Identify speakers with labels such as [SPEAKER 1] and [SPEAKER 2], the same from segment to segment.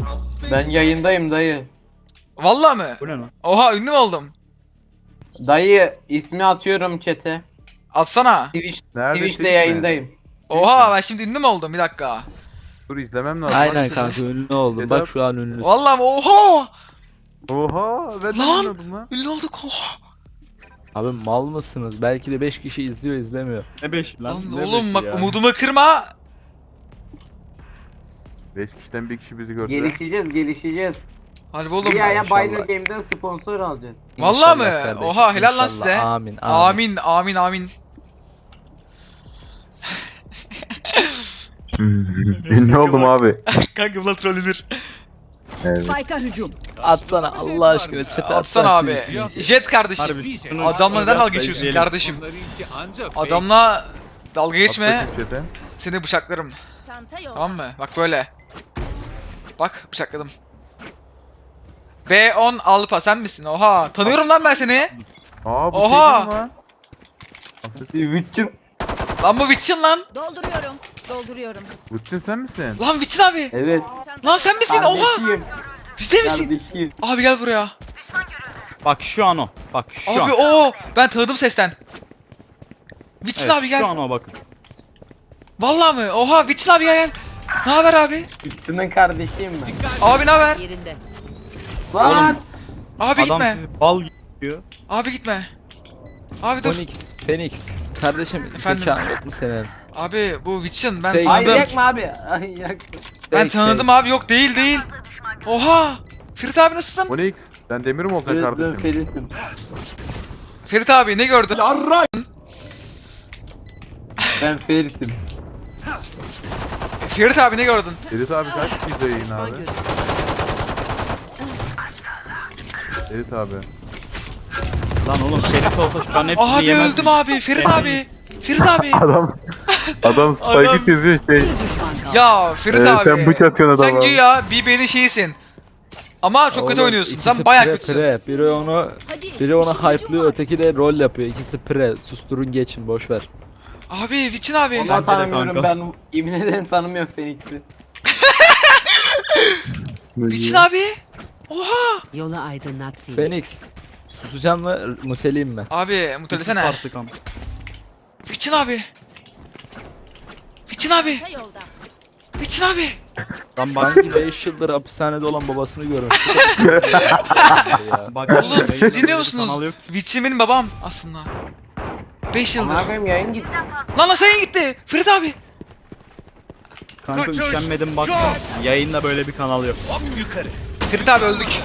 [SPEAKER 1] Ben yayındayım dayı.
[SPEAKER 2] Vallahi mı?
[SPEAKER 3] Bu ne lan?
[SPEAKER 2] Oha ünlü mü oldum?
[SPEAKER 1] Dayı ismi atıyorum chat'e.
[SPEAKER 2] Atsana.
[SPEAKER 4] Nerede
[SPEAKER 1] Twitch'te
[SPEAKER 4] Twitch mi?
[SPEAKER 1] yayındayım.
[SPEAKER 2] Oha ben şimdi ünlü mü oldum? Bir dakika.
[SPEAKER 4] Dur izlemem lazım.
[SPEAKER 5] Aynen kanka ünlü oldum.
[SPEAKER 4] Yeter.
[SPEAKER 5] Bak şu an ünlü.
[SPEAKER 2] Vallahi mi? Oha!
[SPEAKER 4] Oha ben de
[SPEAKER 2] Lan!
[SPEAKER 4] bilmiyordum lan.
[SPEAKER 2] Ünlü olduk. Oha!
[SPEAKER 5] Abi mal mısınız? Belki de 5 kişi izliyor izlemiyor.
[SPEAKER 3] Ne 5 lan?
[SPEAKER 2] Lan
[SPEAKER 3] Ne
[SPEAKER 2] oğlum
[SPEAKER 3] beşi
[SPEAKER 2] bak
[SPEAKER 3] ya?
[SPEAKER 2] umudumu kırma.
[SPEAKER 4] 5 kişiden bir kişi bizi görse.
[SPEAKER 1] Gelişeceğiz.
[SPEAKER 2] Harbi oğlum.
[SPEAKER 1] Bir aya
[SPEAKER 5] inşallah.
[SPEAKER 1] Binary Game'den sponsor alacağız.
[SPEAKER 2] Vallahi
[SPEAKER 5] İnşallah
[SPEAKER 2] mi?
[SPEAKER 5] kardeşim,
[SPEAKER 2] Oha helal lan
[SPEAKER 5] inşallah.
[SPEAKER 2] size.
[SPEAKER 5] Amin.
[SPEAKER 2] Amin amin amin.
[SPEAKER 4] Ne oldum abi?
[SPEAKER 2] Kanka bunlar trollenir.
[SPEAKER 4] Evet.
[SPEAKER 6] Spike'a hücum.
[SPEAKER 5] Atsana Allah aşkına chat'e
[SPEAKER 2] Atsana abi. Jet kardeşim.
[SPEAKER 3] Harbi şunu-
[SPEAKER 2] Adamla neden
[SPEAKER 3] biraz
[SPEAKER 2] dalga
[SPEAKER 3] da
[SPEAKER 2] geçiyorsun
[SPEAKER 3] izleyelim.
[SPEAKER 2] kardeşim? Adamla dalga geçme.
[SPEAKER 4] Atlatıp chat'e.
[SPEAKER 2] Seni bıçaklarım.
[SPEAKER 6] Çanta yok.
[SPEAKER 2] Tamam mı? Bak böyle. Bak bıçakladım. B10 Alpa sen misin? Oha. Tanıyorum lan ben seni.
[SPEAKER 4] Aa bu
[SPEAKER 2] Oha!
[SPEAKER 4] şey değil mi lan? Asıl
[SPEAKER 1] Twitch'im.
[SPEAKER 2] Lan bu Witchin lan.
[SPEAKER 6] Dolduruyorum.
[SPEAKER 4] Butçin sen misin?
[SPEAKER 2] Lan Witchin abi.
[SPEAKER 1] Evet.
[SPEAKER 6] Çanta
[SPEAKER 2] Lan sen misin? Oha.
[SPEAKER 1] Kardeşim.
[SPEAKER 2] Ciddi misin?
[SPEAKER 1] Kardeşim.
[SPEAKER 2] Abi gel buraya.
[SPEAKER 3] Bak şu an o. Bak şu
[SPEAKER 2] Abi
[SPEAKER 3] an.
[SPEAKER 2] o ben tanıdım sesten. Witchin
[SPEAKER 3] Evet,
[SPEAKER 2] abi gel.
[SPEAKER 3] Şu an o bakın.
[SPEAKER 2] Vallahi mi? Oha Witchin abi gel. Ne haber abi?
[SPEAKER 1] Twitch'in kardeşiyim ben.
[SPEAKER 2] Abi ne haber?
[SPEAKER 6] yerinde.
[SPEAKER 1] Lan.
[SPEAKER 2] Abi
[SPEAKER 3] Adam
[SPEAKER 2] gitme.
[SPEAKER 3] sizi bal gibi.
[SPEAKER 2] Abi gitme. Abi dur.
[SPEAKER 5] Phoenix. Kardeşim
[SPEAKER 2] Efendim?
[SPEAKER 5] zekan yok mu senin?
[SPEAKER 2] Abi bu Witchin ben
[SPEAKER 5] Şey-
[SPEAKER 1] Ay
[SPEAKER 2] tanıdım.
[SPEAKER 1] yakma abi. Ay yakma.
[SPEAKER 2] Ben tanıdım abi yok değil. Oha. Ferit abi nasılsın?
[SPEAKER 4] Onyx sen demir mi olacaksın
[SPEAKER 1] Ben
[SPEAKER 4] kardeşim?
[SPEAKER 1] Ferit'im.
[SPEAKER 2] Ferit abi ne gördün?
[SPEAKER 1] Ben Ferit'im.
[SPEAKER 2] Ferit abi ne gördün?
[SPEAKER 4] Ferit abi kaç kişi yayın abi? Ferit abi.
[SPEAKER 3] Lan oğlum Ferit olsa şu an hepsini
[SPEAKER 2] Abi
[SPEAKER 3] yemez
[SPEAKER 2] öldüm
[SPEAKER 3] mi?
[SPEAKER 2] abi. Ferit abi. Ferit abi.
[SPEAKER 4] Adam
[SPEAKER 2] Adam-
[SPEAKER 4] spike yazıyor şey.
[SPEAKER 6] Bir düşman kaldı.
[SPEAKER 2] Ya Ferit abi.
[SPEAKER 4] Sen bıç atıyorsun
[SPEAKER 2] Sen
[SPEAKER 4] adama.
[SPEAKER 2] güya BB'nin şeyisin. Ama çok kötü
[SPEAKER 5] Oğlum,
[SPEAKER 2] oynuyorsun.
[SPEAKER 5] ikisi
[SPEAKER 2] Sen bayağı
[SPEAKER 5] pre,
[SPEAKER 2] kötüsün.
[SPEAKER 5] pre. Biri onu
[SPEAKER 6] işin gücün
[SPEAKER 5] hype'lıyor,
[SPEAKER 6] var.
[SPEAKER 5] öteki de rol yapıyor. İkisi pre. Susturun geçin boş ver.
[SPEAKER 2] Abi Witchin abi.
[SPEAKER 1] Vallahi
[SPEAKER 3] de
[SPEAKER 1] tanımıyorum
[SPEAKER 3] kanka.
[SPEAKER 1] ben. Yemin ederim tanımıyorum Phoenix'i.
[SPEAKER 2] Witchin abi. Oha.
[SPEAKER 6] Yolu aydınlat Fil.
[SPEAKER 5] Phoenix. Susacaksın mı? Muteleyim mi?
[SPEAKER 2] Abi mutelesene.
[SPEAKER 3] Artık ama.
[SPEAKER 2] Witchin abi. Witchin abi.
[SPEAKER 6] Çanta yolda.
[SPEAKER 2] Witchin abi.
[SPEAKER 3] Lan bak.
[SPEAKER 5] Sanki 5 yıldır hapishanede olan babasını görmüş.
[SPEAKER 3] Bak
[SPEAKER 2] Oğlum siz dinliyor musunuz?
[SPEAKER 3] Kanal yok.
[SPEAKER 2] Witchin benim babam aslında. 5 yıldır.
[SPEAKER 1] Amına koyayım yayın gitti.
[SPEAKER 2] Lan sen gitti. Ferit abi.
[SPEAKER 3] Kanka üşenmedim bak. Yayında böyle bir kanal yok.
[SPEAKER 2] Ferit abi öldük.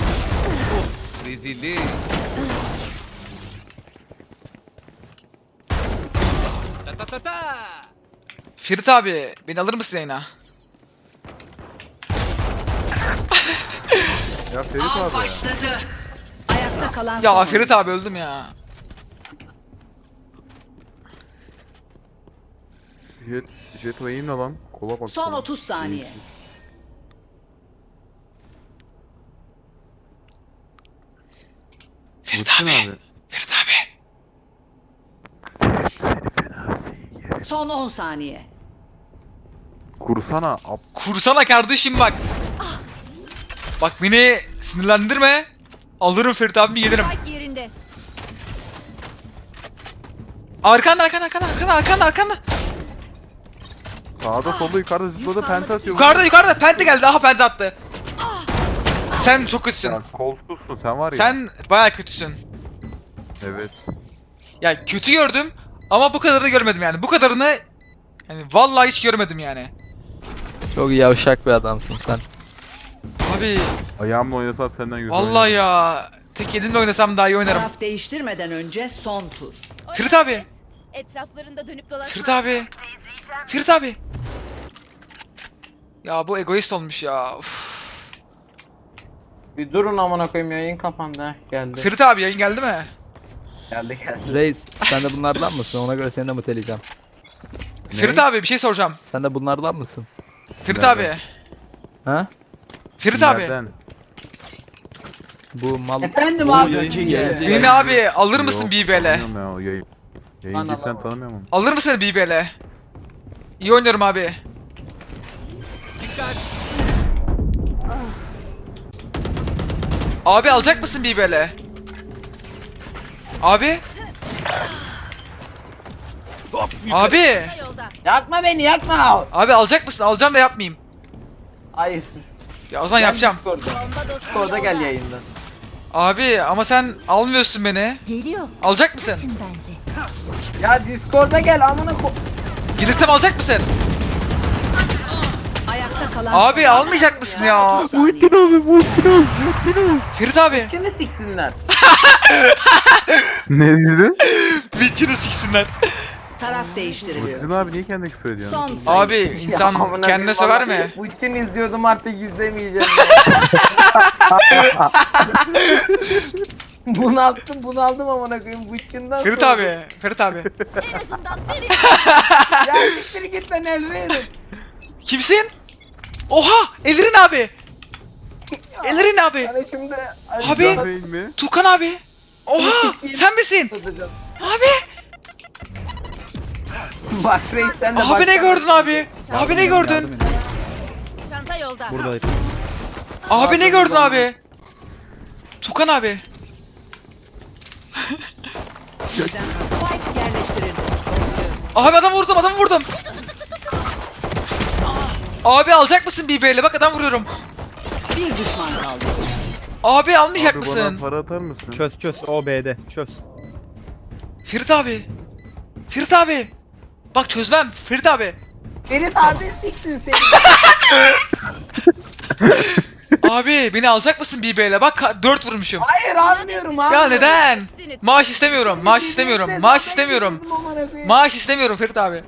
[SPEAKER 2] Ferit abi beni alır mısın yayına?
[SPEAKER 4] Ya Ferit abi.
[SPEAKER 6] Başladı. Ayakta kalan
[SPEAKER 2] Ya
[SPEAKER 6] son
[SPEAKER 2] Ferit abi öldüm ya.
[SPEAKER 4] Jet yayın ne lan? Kola bak.
[SPEAKER 6] Son
[SPEAKER 4] kola.
[SPEAKER 6] 30 saniye.
[SPEAKER 2] Ferit
[SPEAKER 4] Butçin
[SPEAKER 2] abi.
[SPEAKER 4] abi.
[SPEAKER 2] Ferit abi.
[SPEAKER 6] Son 10 saniye.
[SPEAKER 4] Kursana.
[SPEAKER 2] Kursana kardeşim bak. Bak beni sinirlendirme. Alırım Ferit abimi gelirim.
[SPEAKER 6] Spike yerinde.
[SPEAKER 2] Arkanda.
[SPEAKER 4] Sağda solda yukarıda zıpladı penta atıyor.
[SPEAKER 2] Yukarıda pente geldi. Aha pente attı. Sen çok kötüsün.
[SPEAKER 4] Ya kolsuzsun sen var ya.
[SPEAKER 2] Sen bayağı kötüsün.
[SPEAKER 4] Evet.
[SPEAKER 2] Ya kötü gördüm ama bu kadarını görmedim yani. Bu kadarını hani vallahi hiç görmedim yani.
[SPEAKER 5] Çok yavşak bir adamsın sen.
[SPEAKER 2] Abi
[SPEAKER 4] Ayağımla oynasam senden güzel
[SPEAKER 2] vallahi ya tek elimle oynasam daha iyi oynarım.
[SPEAKER 6] Taraf değiştirmeden önce son tur.
[SPEAKER 2] Ferit abi.
[SPEAKER 7] Etraflarında dönüp dolaşma.
[SPEAKER 2] Ferit abi. Ya bu egoist olmuş ya. Uf.
[SPEAKER 1] Bir durun amına koyayım yayın kapandı. Heh, geldi.
[SPEAKER 2] Ferit abi yayın geldi mi?
[SPEAKER 1] Geldi.
[SPEAKER 5] Reis sen de bunlardan mısın? Ona göre seni de muteleyeceğim.
[SPEAKER 2] Ferit abi bir şey soracağım.
[SPEAKER 5] Sen de bunlardan mısın?
[SPEAKER 2] Ferit
[SPEAKER 4] Nerede?
[SPEAKER 2] abi.
[SPEAKER 5] Ha?
[SPEAKER 2] Ferit abi.
[SPEAKER 4] Nereden?
[SPEAKER 5] Bu mal...
[SPEAKER 1] Efendim
[SPEAKER 5] Bu
[SPEAKER 1] abi.
[SPEAKER 5] yayıncı geldi.
[SPEAKER 2] Seni abi alır mısın
[SPEAKER 4] Yok,
[SPEAKER 2] BBL?
[SPEAKER 4] tanımıyorum ya o yayın. Yayıncı
[SPEAKER 1] Bana
[SPEAKER 4] sen
[SPEAKER 1] bak.
[SPEAKER 4] tanımıyorum onu.
[SPEAKER 2] Alır mısın BBL? İyi oynuyorum abi. Abi alacak mısın BBL? Abi? Abi!
[SPEAKER 7] Çanta yolda.
[SPEAKER 1] Yakma beni yakma.
[SPEAKER 2] Abi alacak mısın? Alacağım da yapmayayım.
[SPEAKER 1] Hayır.
[SPEAKER 2] Ya o zaman yapacağım.
[SPEAKER 1] Discord'da.
[SPEAKER 7] Bomba dostum
[SPEAKER 1] Discord'da gel
[SPEAKER 7] yolda.
[SPEAKER 1] yayında.
[SPEAKER 2] Abi ama sen almıyorsun beni.
[SPEAKER 8] Geliyor.
[SPEAKER 2] Alacak mısın?
[SPEAKER 8] Kaçın bence.
[SPEAKER 1] Ya Discord'da gel amına ko...
[SPEAKER 2] Gelirsem alacak mısın?
[SPEAKER 6] Ayakta kalan
[SPEAKER 2] Abi
[SPEAKER 6] son
[SPEAKER 2] almayacak mısın ya?
[SPEAKER 6] 30 saniye.
[SPEAKER 2] Ferit abi.
[SPEAKER 1] Şimdi siksinler.
[SPEAKER 4] Ne dedin?
[SPEAKER 2] Witcher'ı siksinler.
[SPEAKER 6] Taraf değiştiriliyor.
[SPEAKER 4] Bıtıcın abi niye kendine küfür ediyorsun?
[SPEAKER 6] Son sayı.
[SPEAKER 2] Abi insan
[SPEAKER 1] amına
[SPEAKER 2] kendine
[SPEAKER 1] koyayım,
[SPEAKER 2] sever
[SPEAKER 1] vallahi
[SPEAKER 2] mi?
[SPEAKER 1] Bu için izliyordum artık izlemeyeceğim. bunu aldım amına koyayım bu içinden
[SPEAKER 2] Ferit
[SPEAKER 1] sonra-
[SPEAKER 2] abi. Ferit abi.
[SPEAKER 7] En azından biri
[SPEAKER 1] Ya siktir git ben elverim.
[SPEAKER 2] Kimsin? Oha! Ellerin abi. Ellerin abi.
[SPEAKER 1] Hani şimdi...
[SPEAKER 2] Abi.
[SPEAKER 4] Değil mi?
[SPEAKER 2] Tukan abi. Oha! Sen misin? Abi!
[SPEAKER 1] Bak reis sen de
[SPEAKER 2] Abi ne gördün abi? Abi ne gördün?
[SPEAKER 3] Yardım edin.
[SPEAKER 7] çanta yolda.
[SPEAKER 3] Buradayım.
[SPEAKER 2] Abi ne gördün abi? Tukan abi.
[SPEAKER 6] Spike yerleştirildi.
[SPEAKER 2] Abi adam vurdum. Abi alacak mısın BB'yle? Bak adam vuruyorum.
[SPEAKER 6] Bir düşman kaldı.
[SPEAKER 2] Abi almayacak
[SPEAKER 4] Abi
[SPEAKER 2] mısın?
[SPEAKER 4] bana para atar mısın?
[SPEAKER 3] Çöz o B'de çöz.
[SPEAKER 2] Ferit abi. Ferit abi. Bak çözmem. Ferit abi.
[SPEAKER 1] Ferit abi siksin seni.
[SPEAKER 2] Abi beni alacak mısın BB'yle? Bak 4 vurmuşum.
[SPEAKER 1] Hayır almıyorum abi.
[SPEAKER 2] Ya neden? Maaş istemiyorum. Maaş istemiyorum. Maaş istemiyorum. Maaş istemiyorum Ferit abi.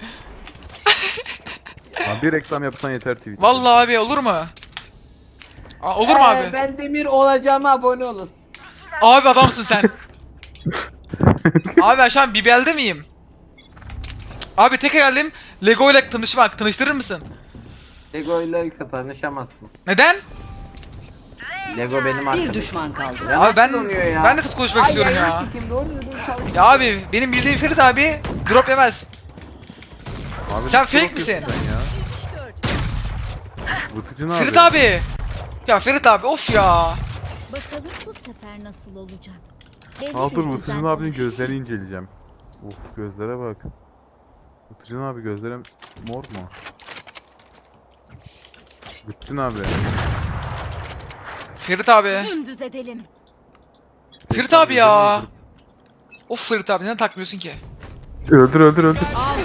[SPEAKER 4] Abi bir reklam yapsan yeter Twitch'te.
[SPEAKER 2] Vallahi abi olur mu? Olur mu abi?
[SPEAKER 1] Ben Demir olacağıma abone olun.
[SPEAKER 2] Abi adamsın sen. Abi ben şu an BBL'de miyim? Abi tek hayalim Lego ile tanışmak. Tanıştırır mısın?
[SPEAKER 1] Lego ile tanışamazsın.
[SPEAKER 2] Neden?
[SPEAKER 1] Lego benim
[SPEAKER 6] Bir
[SPEAKER 1] arkadaşım.
[SPEAKER 6] düşman kaldı.
[SPEAKER 2] Abi ben
[SPEAKER 1] oluyor ya?
[SPEAKER 2] ben de tut konuşmak istiyorum ya.
[SPEAKER 1] Doğru düzgün çalış.
[SPEAKER 2] Ya abi benim bildiğim Ferit abi drop yemez.
[SPEAKER 4] Abi
[SPEAKER 2] Sen
[SPEAKER 4] ne
[SPEAKER 2] fake
[SPEAKER 4] yapıyorsun
[SPEAKER 2] misin?
[SPEAKER 4] sen ya? Bıtıcın abi.
[SPEAKER 2] Ferit abi. Ya Ferit abi of ya.
[SPEAKER 8] Bakalım bu sefer nasıl olacak. Belli
[SPEAKER 4] Al
[SPEAKER 8] bir
[SPEAKER 4] dur
[SPEAKER 8] düzen
[SPEAKER 4] Bıtıcın abinin
[SPEAKER 8] oluşuyor.
[SPEAKER 4] gözlerini inceleyeceğim. Uf gözlere bak. Bıtıcın abi gözlerim mor mu? Bıtıcın abi.
[SPEAKER 2] Ferit abi.
[SPEAKER 7] Dümdüz edelim.
[SPEAKER 2] Ferit abi ya. Of Ferit abi neden takmıyorsun ki?
[SPEAKER 4] Öldür.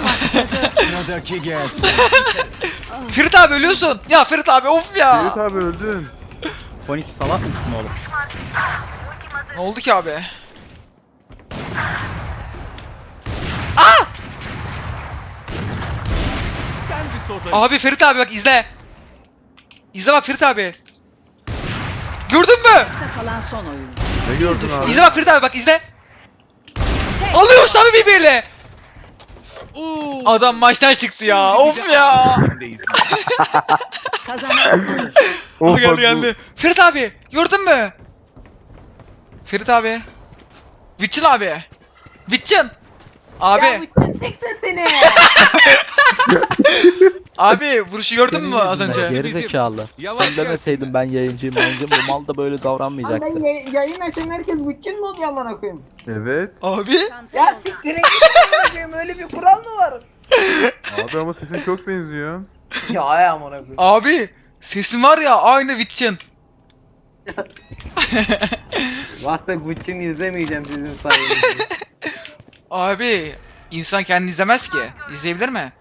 [SPEAKER 2] Ferit abi ölüyorsun. Ya Ferit abi of ya.
[SPEAKER 4] Ferit abi öldün.
[SPEAKER 3] Fonik salak mısın oğlum?
[SPEAKER 2] Ne oldu ki abi? Abi Ferit abi bak izle. İzle bak Ferit abi. Gördün mü?
[SPEAKER 6] Ayakta kalan son oyuncu.
[SPEAKER 4] Ne gördün abi?
[SPEAKER 2] İzle bak Ferit abi bak izle. Alıyorsun abi birbiriyle. Adam maçtan çıktı ya. Of ya.
[SPEAKER 6] Kazanan alır.
[SPEAKER 2] O
[SPEAKER 4] Of, bak bu-
[SPEAKER 2] geldi. Ferit abi gördün mü? Ferit abi. Witchin abi. Witchin. Abi.
[SPEAKER 1] Ya bu siksin seni.
[SPEAKER 2] Abi vuruşu gördün mü az önce?
[SPEAKER 5] Geri zekalı. Sen demeseydin ben yayıncıyım. Bu mal da böyle
[SPEAKER 1] Lan
[SPEAKER 5] davranmayacaktı.
[SPEAKER 1] ben yayın açan herkes bütün mi oluyor amına koyayım?
[SPEAKER 4] Evet.
[SPEAKER 2] Abi.
[SPEAKER 7] Çanta
[SPEAKER 1] Ya
[SPEAKER 7] yolda.
[SPEAKER 1] siktirin gidin amına koyayım öyle bir kural mı var?
[SPEAKER 4] Abi ama sesin çok benziyor.
[SPEAKER 1] Ya ay amına koyayım.
[SPEAKER 2] Abi. Sesin var ya aynı Witchin.
[SPEAKER 1] Varsa Gucci'ni izlemeyeceğim sizin sayenizde.
[SPEAKER 2] Abi. insan kendini izlemez ki. İzleyebilir mi?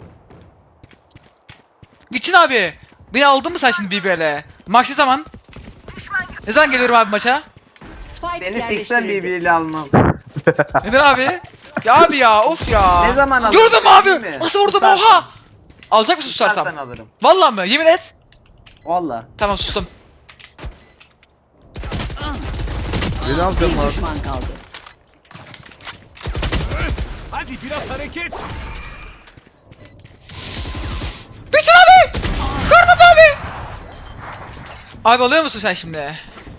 [SPEAKER 2] Witchin abi. Beni aldın mı sen şimdi BBL'e? Maç ne zaman? Ne zaman geliyorum abi maça?
[SPEAKER 6] Spike
[SPEAKER 1] Seni siksen
[SPEAKER 6] yerleştirildi.
[SPEAKER 1] birbiriyle almam.
[SPEAKER 2] Neden abi? Ya abi ya of ya.
[SPEAKER 1] Ne zaman aldın?
[SPEAKER 2] Gördün mü abi?
[SPEAKER 1] Değil mi?
[SPEAKER 2] Nasıl vurdum
[SPEAKER 1] Tutarsam.
[SPEAKER 2] oha? Alacak mısın
[SPEAKER 1] Tutarsan
[SPEAKER 2] susarsam?
[SPEAKER 1] alırım.
[SPEAKER 2] Vallahi mı? Yemin et.
[SPEAKER 1] Valla.
[SPEAKER 2] Tamam sustum.
[SPEAKER 4] Beni alacağım
[SPEAKER 6] Bir
[SPEAKER 4] abi.
[SPEAKER 6] düşman kaldı.
[SPEAKER 2] Witchin abi! Gördün mü abi? Abi alıyor musun sen şimdi?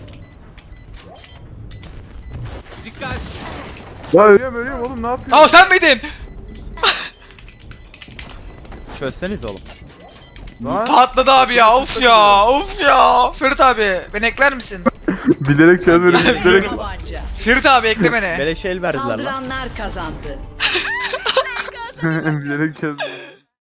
[SPEAKER 4] Ya ölüyorum oğlum ne yapıyorsun?
[SPEAKER 2] Aa sen miydin?
[SPEAKER 3] Çözseniz oğlum.
[SPEAKER 4] Lan
[SPEAKER 2] Patladı abi ya. Of ya. Of ya. Ferit abi beni ekler misin?
[SPEAKER 4] bilerek çözmedim. Bilerek.
[SPEAKER 6] Tabanca.
[SPEAKER 2] Ferit abi ekle beni.
[SPEAKER 3] Beleş el verdiler lan.
[SPEAKER 6] Saldıranlar kazandı.
[SPEAKER 4] bilerek çözdüm.